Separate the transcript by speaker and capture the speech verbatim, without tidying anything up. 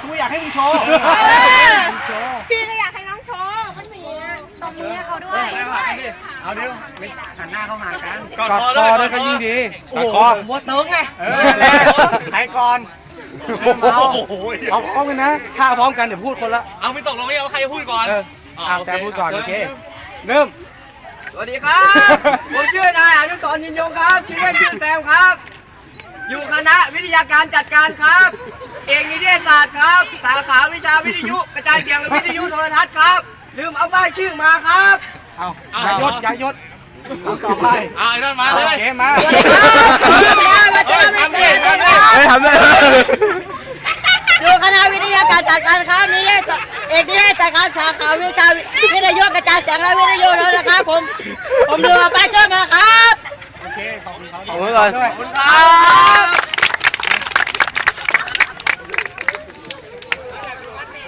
Speaker 1: กูอยากให้มึงโชว์
Speaker 2: พี่ก็อยากให้น้องโชว์มันมีตรงนี้เขาด้วย
Speaker 1: เอาเดี๋ยวหันหน้าเข้าหากัน
Speaker 3: กอดคอด้วยก็ยิ่งดีกอดคอ
Speaker 1: วัวเติ้งไงใครก่อนเอาพร้อมกันนะข้าพร้อมกันเดี๋ยวพูดคนละ
Speaker 3: เอาไม่ตกลงไม่เอาใครจะพูดก่อน
Speaker 1: เอาแซมพูดก่อนโอเคเริ่ม
Speaker 4: สวัสดีครับผมชื่อนายอนุสรณ์ยินยงครับชื่อเล่นชื่อแซมครับอยู่คณะวิทยาการจัดการครับเอกนิเทศศาสตร์ครับสาขาวิชาวิทยุกระจายเสียงและวิทยุโทรทัศน์ครับลืมเอาป้ายชื่อมาครับ
Speaker 1: เอายายศยายศต่อไป
Speaker 3: เอาไอ้นั่นมาเลย
Speaker 1: เกมมา
Speaker 4: สวัสดีครับมาเจอกันอีกแล้ว
Speaker 1: ไม่ทำเลย
Speaker 4: อยู่คณะวิทยาการจัดการครับนิเทศเอกนิเทศจัดการสาขาวิชาวิทยุกระจายเสียงและวิทยุโทรทัศน์ครับผมผมลืมเอาป้ายชื่อมาครับ
Speaker 1: โอเคขอบคุณเขา
Speaker 3: ขอบคุณก่อน
Speaker 4: ขอบคุณครับ